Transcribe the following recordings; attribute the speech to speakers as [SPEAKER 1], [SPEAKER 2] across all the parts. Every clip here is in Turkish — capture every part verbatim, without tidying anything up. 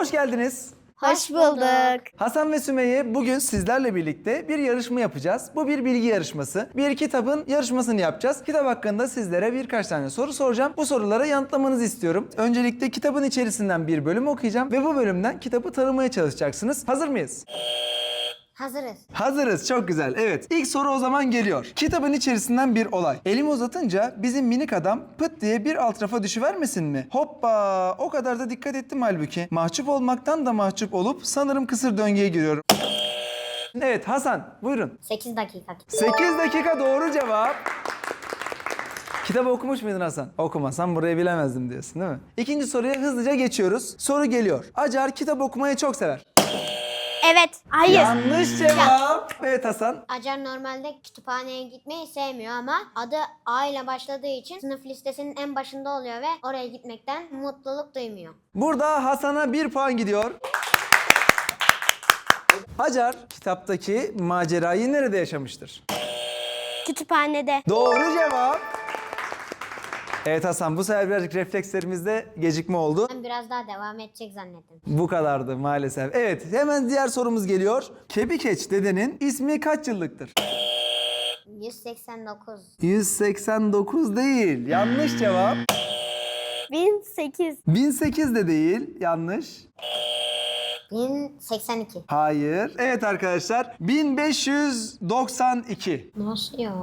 [SPEAKER 1] Hoş geldiniz.
[SPEAKER 2] Hoş bulduk.
[SPEAKER 1] Hasan ve Sümeyye bugün sizlerle birlikte bir yarışma yapacağız. Bu bir bilgi yarışması. Bir kitabın yarışmasını yapacağız. Kitap hakkında sizlere birkaç tane soru soracağım. Bu sorulara yanıtlamanızı istiyorum. Öncelikle kitabın içerisinden bir bölüm okuyacağım ve bu bölümden kitabı tanımaya çalışacaksınız. Hazır mıyız?
[SPEAKER 2] Hazırız.
[SPEAKER 1] Hazırız. Çok güzel. Evet. İlk soru o zaman geliyor. Kitabın içerisinden bir olay. Elimi uzatınca bizim minik adam pıt diye bir alt rafa düşüvermesin mi? Hoppa! O kadar da dikkat ettim halbuki. Mahcup olmaktan da mahcup olup sanırım kısır döngüye giriyorum. Evet Hasan, buyurun.
[SPEAKER 2] sekiz dakika.
[SPEAKER 1] sekiz dakika doğru cevap. Kitabı okumuş muydun Hasan? Okumasam burayı bilemezdim diyorsun değil mi? İkinci soruya hızlıca geçiyoruz. Soru geliyor. Acar kitap okumayı çok sever.
[SPEAKER 2] Evet. Hayır.
[SPEAKER 1] Yanlış cevap. Evet Hasan.
[SPEAKER 2] Acar normalde kütüphaneye gitmeyi sevmiyor ama adı A ile başladığı için sınıf listesinin en başında oluyor ve oraya gitmekten mutluluk duymuyor.
[SPEAKER 1] Burada Hasan'a bir puan gidiyor. Hacer kitaptaki macerayı nerede yaşamıştır?
[SPEAKER 2] Kütüphanede.
[SPEAKER 1] Doğru cevap. Evet Hasan, bu sefer birazcık reflekslerimizde gecikme oldu.
[SPEAKER 2] Ben biraz daha devam edecek zannettim.
[SPEAKER 1] Bu kadardı maalesef. Evet, hemen diğer sorumuz geliyor. Kebikeç dedenin ismi kaç yıllıktır?
[SPEAKER 2] yüz seksen dokuz.
[SPEAKER 1] yüz seksen dokuz değil. Yanlış cevap.
[SPEAKER 2] bin sekiz.
[SPEAKER 1] bin sekiz de değil. Yanlış.
[SPEAKER 2] bin seksen iki.
[SPEAKER 1] Hayır. Evet arkadaşlar. bin beş yüz doksan iki.
[SPEAKER 2] Nasıl ya?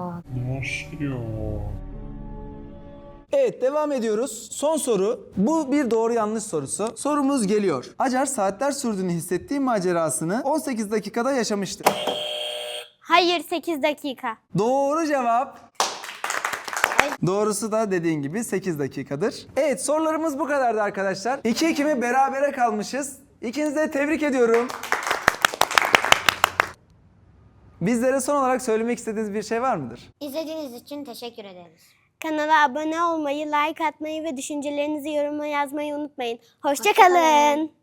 [SPEAKER 1] Evet, devam ediyoruz. Son soru. Bu bir doğru yanlış sorusu. Sorumuz geliyor. Acar saatler sürdüğünü hissettiği macerasını on sekiz dakikada yaşamıştır.
[SPEAKER 2] Hayır, sekiz dakika.
[SPEAKER 1] Doğru cevap. Doğrusu da dediğin gibi sekiz dakikadır. Evet, sorularımız bu kadardı arkadaşlar. iki iki mi berabere kalmışız. İkinizi de tebrik ediyorum. Bizlere son olarak söylemek istediğiniz bir şey var mıdır?
[SPEAKER 2] İzlediğiniz için teşekkür ederiz.
[SPEAKER 3] Kanala abone olmayı, like atmayı ve düşüncelerinizi yoruma yazmayı unutmayın. Hoşça
[SPEAKER 2] Hoşça kalın.
[SPEAKER 3] kalın.